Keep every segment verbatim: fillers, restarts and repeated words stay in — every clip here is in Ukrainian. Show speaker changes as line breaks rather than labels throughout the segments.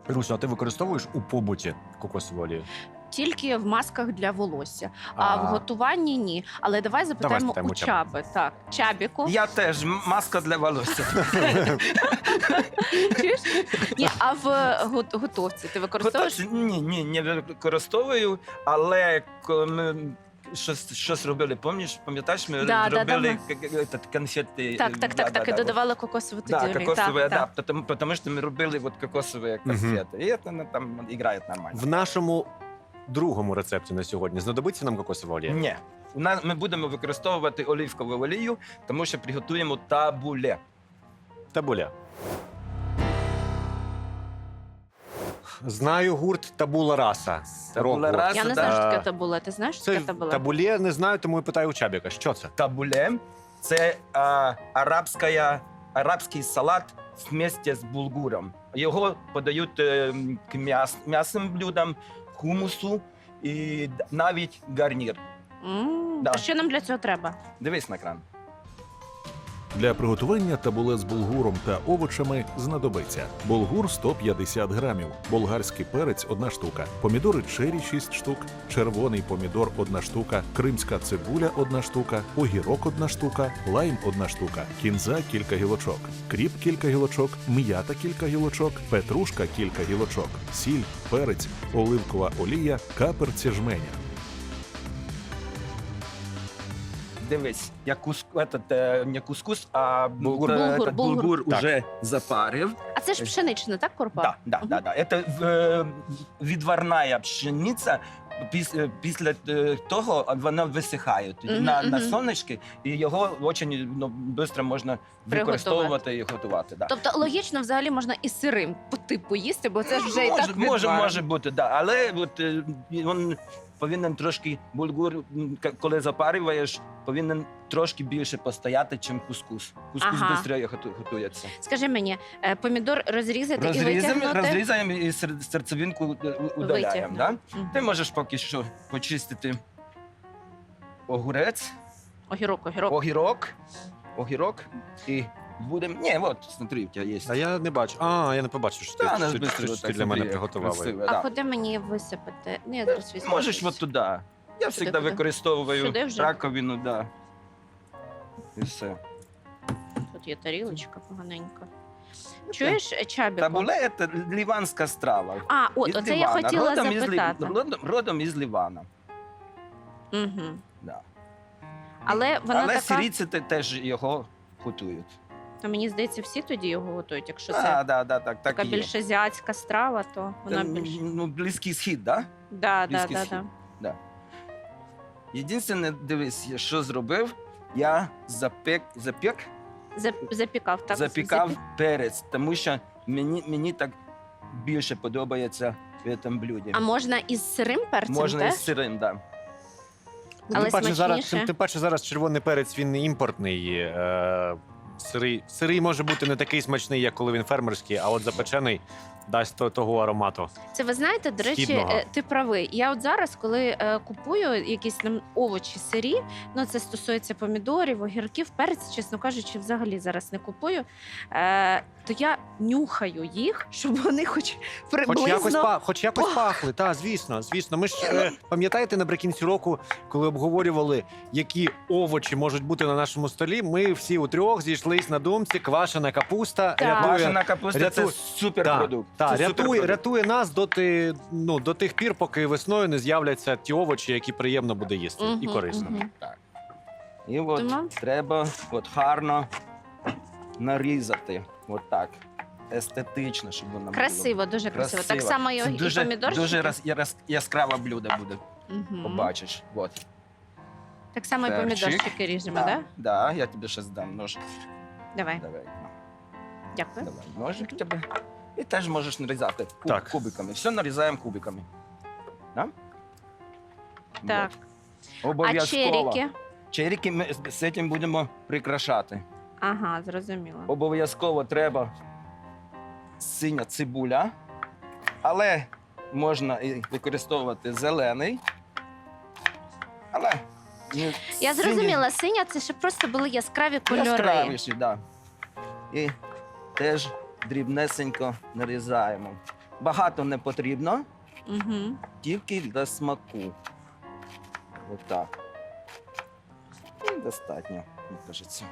Руся, а ти використовуєш у побуті кокосову олію?
Тільки в масках для волосся, а,
А.
в готуванні ні. Але давай запитаємо
спитаємо
у
у Чаби.
Чаби. Так, Чабіку.
Я теж м- маска для волосся.
Чуєш? Ні, а в го- готовці ти використовуєш?
Готовці? Ні, ні, не використовую, але коли ми щось, щось робили, пам'ятаєш, пам'ятаєш, ми
Да, да,
робили
да,
к- к- этот, конфети.
Так, так, так, так, і додавали кокосову
Да,
тоді.
кокосовые,
так,
да,
так.
потому, потому что мы рубили вот кокосовые
Мгм.
конфеты. И это ну, там играет нормально.
В нашому другому рецепті на сьогодні знадобиться нам кокосова олія?
Ні. У нас ми будемо використовувати оливкову олію, тому що приготуємо табуле.
Табуля. Знаю гурт Табула Раса.
Табула
Рок-гурт.
Раса.
Я не
да.
знаю, що
А,
таке табула. Ти знаєш, що
Це
таке табула?
табулє не знаю, тому і питаю у Чабіка. Що це?
Табуле це а, арабська, арабський салат вместе з булгуром. Його подають е, к м'яс, м'ясним блюдам, хумусу і д- навіть гарнір.
М,
Да.
А що нам для цього треба?
Дивись на екран.
Для приготування табуле з булгуром та овочами знадобиться булгур сто п'ятдесят грамів, болгарський перець одна штука, помідори чері шість штук, червоний помідор одна штука, кримська цибуля одна штука, огірок одна штука, лайм одна штука, кінза кілька гілочок, кріп кілька гілочок, м'ята кілька гілочок, петрушка кілька гілочок, сіль, перець, оливкова олія, каперці жменя.
Дивись, я кус, этот, е, не кускус, а булгур,
Булгур,
этот,
булгур.
булгур
Так.
уже запарив.
А це ж пшенична, так, корпа?
Да, да,
Мгм.
да, да. Это е, відварна пшениця. Піс- е, Після е, того вона висихає тоді
Мгм,
на, на
мгм.
сонечки, і його дуже ну, швидко можна використовувати і готувати. Да.
Тобто логічно взагалі можна і сирим по типу їсти, бо це ж вже і
може,
так
може,
відварено.
може бути, да. Але от, е, він повинен трошки булгур, м, к- коли запарюєш, повинен трошки більше постояти, ніж кускус. Кускус
Ага.
швидше готується.
Скажи мені, е, помідор розрізати і
Розрізаємо,
витягнути?
розрізаємо і сер- серцевинку е, у- удаляємо. Да?
Мгм.
Ти можеш поки що почистити огурець,
Огірок, огірок.
огірок, огірок і будемо. Ні, от, смотри, у тебе є.
А я не бачу. А, я не побачив, що ти,
Та, нас
що,
быстро
що
вот
ти
так
для мене
смотри,
приготували.
красиво,
А
да.
куди мені висипати? Ну, я зараз візьму.
Можеш от туди. Я завжди
куди?
використовую
Сюди вже?
раковину, да. І все.
Тут є тарілочка поганенька. Чуєш, Чабіку?
Табуле – це ліванська страва.
А, от,
Із
оце я
Лівана.
хотіла
родом із Лі-
запитати.
Родом, родом із Лівана.
Угу.
Да.
Але вона
Але
така,
сирійці те- теж його готують.
то мені здається, всі тоді його готують. Якщо це
Да, да, да, так, так
така
і є.
більш азіатська страва, то вона
Це,
більш...
ну, близький схід, да?
Да, да,
близький
да,
схід.
да.
Єдине, дивись, я що зробив, я запек, запек,
Зап- Запікав, так?
запікав
Запі-
перець, тому що мені, мені так більше подобається в цьому блюді.
А можна із сирим перцем
Можна
теж?
із сирим, так. Да.
Але
Тим паче, зараз,
смачніше.
тим, тим паче зараз червоний перець, він не імпортний. Е, сирий, сирий може бути не такий смачний, як коли він фермерський, а от запечений дасть то- того аромату.
Це ви знаєте, до речі,
Східного.
е, ти правий. Я от зараз, коли е, купую якісь нам овочі сирі, ну це стосується помідорів, огірків, перець, чесно кажучи, взагалі зараз не купую. Е, то я нюхаю їх, щоб вони хоч приблизно...
Хоч якось, па, хоч якось
Ох.
пахли, так, звісно, звісно. Ми ж е, пам'ятаєте наприкінці року, коли обговорювали, які овочі можуть бути на нашому столі, ми всі у трьох зійшлись на думці, квашена капуста
Так.
рятує,
Квашена капуста – це
рятує-
суперпродукт.
та,
Це
рятує,
суперпродукт.
рятує нас доти, ну, до тих пір, поки весною не з'являться ті овочі, які приємно буде їсти і
Мгм,
корисно.
мгм.
І от
Тому?
треба от гарно нарізати. От так. Естетично, щоб воно було.
Красиво, дуже красиво. Так
Красиво.
само і,
Це
і
дуже,
помідорчики.
дуже раз, яс- яскраве блюдо буде,
Мгм.
побачиш. От.
Так само і
Перчик.
помідорчики ріжемо,
Да,
так?
да, я тобі ще здам нож.
Давай,
Давай, на,
дякую.
давай. Ножик тебе. І теж можеш нарізати куб,
Так.
кубиками. Все нарізаємо кубиками. Да?
Так.
От.
А
Обов'язково.
черіки?
Черіки ми з з цим будемо прикрашати.
Ага, зрозуміло.
Обов'язково треба синя цибуля, але можна і використовувати зелений. Але не
Я
синій,
зрозуміла, синя це щоб просто були яскраві кольори.
яскравіші, да. І теж дрібнесенько нарізаємо. багато не потрібно,
Угу.
тільки для смаку. Отак. І достатньо, мені кажеться.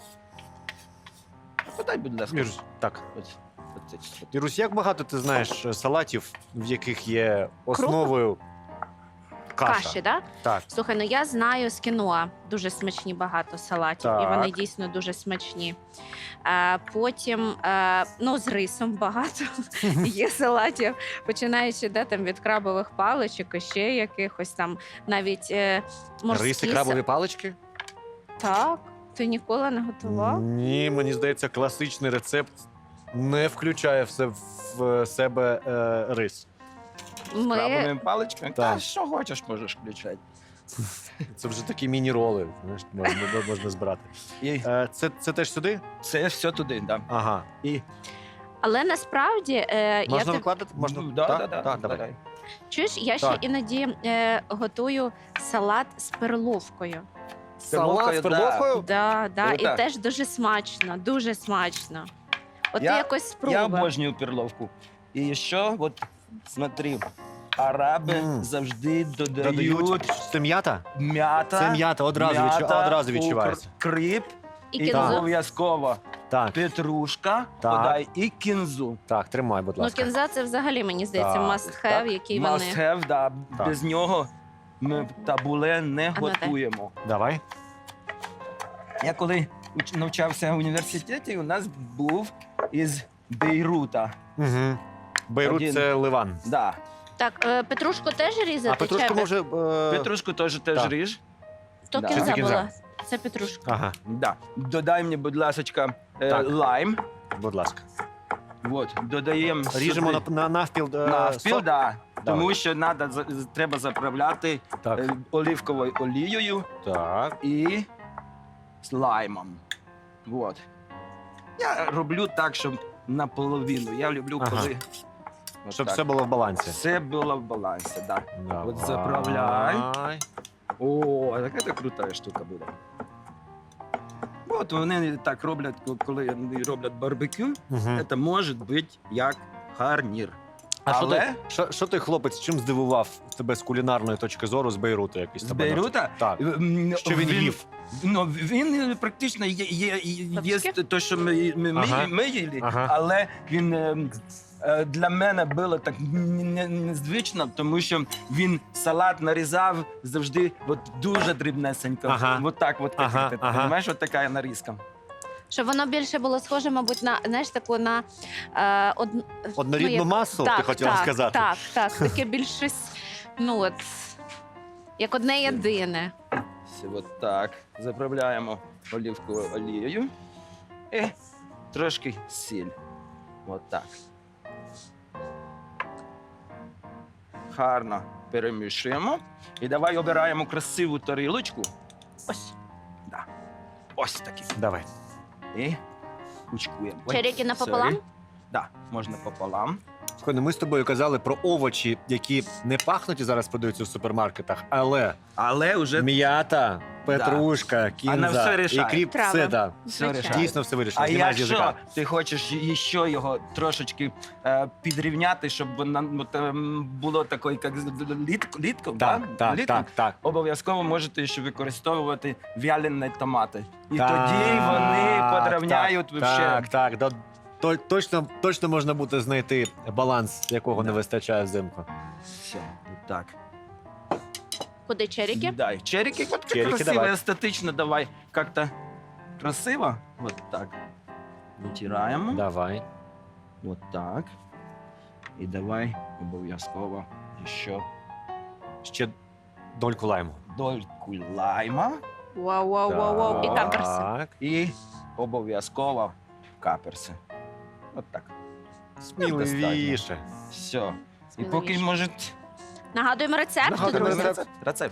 Подай, будь ласка.
Ірусь, так.
Ось, оце чисто.
Ірусь, як багато ти знаєш е, салатів, в яких є основою каша?
Каші, да?
Так.
Слухай, ну я знаю з кіноа дуже смачні багато салатів, і
Так.
вони дійсно дуже смачні. А, потім, а, ну, з рисом багато є салатів, починаючи де, там, від крабових паличок і ще якихось там навіть е, морські.
Риси,
са-
крабові палички?
Так, ти ніколи не готував?
Ні, мені здається, класичний рецепт не включає в се- в себе е, рис.
З
Ми...
крабовими паличками?
Так.
Та що хочеш, можеш включати.
Це вже такі міні-роли, знаєш, можна, можна збирати.
І
Е, це, це теж сюди?
це все туди, да.
Ага.
І
Але насправді е, я
Можна
ти...
викладати? Можна?
Ну, да,
Так?
да, да,
Так, давай.
давай.
чуєш, я ще
Так.
іноді е, готую салат з перловкою.
Салат з
да.
перловкою?
Да, да, і
Круто.
теж дуже смачно, дуже смачно. От
Я-
ти якось спробуй.
Я обожнюю перловку. І ще, от, смотри, араби
Мм.
завжди додають,
Додають. Це м'ята?
м'ята,
Це м'ята, одразу, відчу...
м'ята,
одразу
укр-
відчувається.
кріп,
І
і
кінзу.
обов'язково
Так,
петрушка,
Так.
подай, і кінзу.
так, тримай, будь
Ну,
ласка.
кінза це взагалі, мені здається,
Так,
must have, який вони.
Must have, да.
Так.
Без нього ми табуле не
А ну дай.
готуємо.
Давай.
Я коли уч- навчався в університеті, у нас був із Бейрута.
Угу. Бейрут
Один.
це Ливан.
Да.
Так, е, петрушку теж різати?
А петрушку
чи без-
може. Е...
Петрушку теж теж
так.
ріж.
То
Да.
Чи це
кінза
кінза?
була. Це петрушка.
Ага,
Да. Додай мені, будь ласка, е,
Так.
лайм.
будь ласка.
От, додаємо
Ріжемо на,
сюди
на навпіл. е,
навпіл,
сок.
да.
Давай.
Тому що надо, за- з- треба заправляти
Так.
е, оливковою олією
Так.
і з лаймом. От. Я роблю так, щоб наполовину. Я люблю,
Ага.
коли от
Щоб
так.
все було в балансі.
Все було в балансі, да.
Давай.
От заправляй. О, така це крута штука буде. От вони так роблять, коли вони роблять барбекю,
Угу.
це може бути як гарнір.
А що
Але
ти, що, що ти, хлопець, чим здивував тебе з кулінарної точки зору з Бейрута? Якийсь
з
тебе
Бейрута
Так.
м,
Що він їв?
Ну, він практично є, є, є, є
Папське?
те, що ми, ми, ми,
Ага.
ми їли,
Ага.
але він ем, е, для мене було так н- н- незвично, тому що він салат нарізав завжди от дуже дрібнесенько.
Ага.
От так, от,
Ага,
як ти
ага.
розумієш, от така нарізка.
Щоб воно більше було схоже, мабуть, на, знаєш, таку на е, од...
Однорідну
ну, як-
масу,
так,
ти хотіла
так,
сказати?
Так, так, таке більш щось, ну от, як одне єдине.
Все, от так. Заправляємо олівковою олією і трошки сіль. От так. Гарно перемішуємо. І давай обираємо красиву тарілочку.
Ось.
Да. Ось такі.
Давай.
І кучкуємо. Ой,
Черіки напополам?
sorry. Да, можна пополам.
Слухай, ну ми з тобою казали про овочі, які не пахнуть і зараз продаються в супермаркетах, але
Але вже
м'ята, петрушка,
Вона
кінза
все
і
рішає.
кріп,
Трава.
все, да.
все
Звичайно.
рішає.
Дійсно все вирішено.
А
Знімай з
якщо
язика.
ти хочеш ще його трошечки е, підрівняти, щоб воно от, ем, було такою, як літко, літко,
Так,
да?
так,
Літко,
так, так.
обов'язково можете ще використовувати вялені томати. І
Так,
тоді вони подравняють
так,
вообще.
Так, так. Да, то- точно, точно можна буде знайти баланс, якого не
Да.
вистачає взимку.
Все, так.
Куди черіки?
Дай. Черики, от
Черики
красиво,
давай.
естетично, давай. Как-то красиво. Вот так. Витираємо.
Давай.
Вот так. І давай обов'язково ще
Ще дольку лайму.
дольку лайма.
Вау, вау, вау, вау. І каперси.
Так.
І обов'язково каперси. От так.
Сміливіше.
Все. І поки
Сміливіше.
може.
Нагадуємо рецепт,
Нагадуємо
друзі.
рецепт.
Рецепт.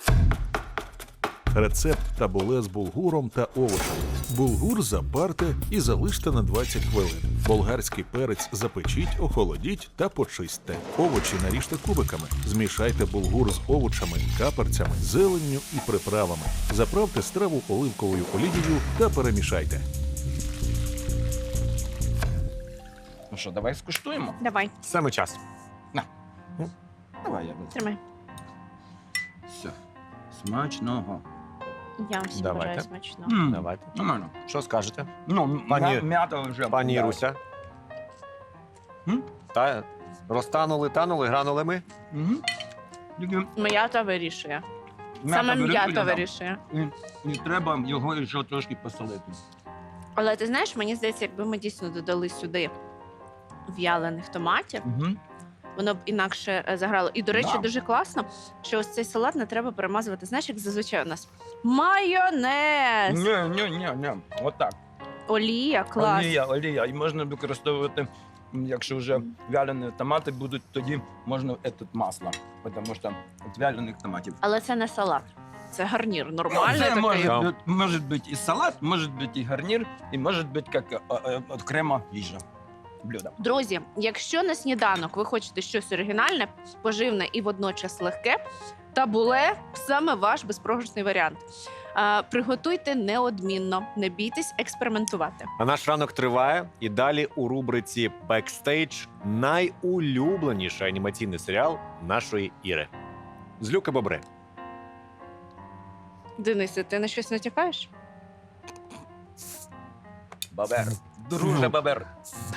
Рецепт табуле з булгуром та овочами. Булгур запарте і залиште на двадцять хвилин. Болгарський перець запечіть, охолодіть та почистьте. Овочі наріжте кубиками. Змішайте булгур з овочами, каперцями, зеленню і приправами. Заправте страву оливковою олією та перемішайте.
Ну що, давай скуштуємо?
Давай,
Саме час.
Давай, я візьму.
тримай.
Все. Смачного.
Я всім
Давайте.
бажаю смачно.
М,
Давайте.
Нормально.
Що скажете,
Ну,
Пані-
м'я- м'ята вже.
пані
да.
Іруся?
М?
Та розтанули, танули, гранули ми.
Мгм. Тільки
М'ята вирішує.
м'ята
Саме
вирішує,
м'ята
да.
вирішує.
І, і треба його ще трошки посолити.
Але ти знаєш, мені здається, якби ми дійсно додали сюди в'ялених томатів,
Угу.
воно б інакше е, заграло. І, до речі,
Да.
дуже класно, що ось цей салат не треба перемазувати. Знаєш, як зазвичай у нас майонез,
Ні, ні, ні, ні. Отак.
олія, клас.
Олія, олія. І можна використовувати, м, якщо вже вялені томати будуть, тоді можна этот масло. Тому що від вялених томатів.
Але це не салат, це гарнір. Нормальний
Це
такий.
може,
Да.
бути, може бути і салат, може бути і гарнір, і може бути як е, е, окрема їжа. Блюдо.
Друзі, якщо на сніданок ви хочете щось оригінальне, поживне і водночас легке, табуле саме ваш безпрограшний варіант. Е, приготуйте неодмінно, не бійтесь експериментувати.
А наш ранок триває, і далі у рубриці «Бекстейдж» найулюбленіший анімаційний серіал нашої Іри. Злюки Бобри.
Денисе, ти на щось натякаєш?
Бабер. Друже бабер.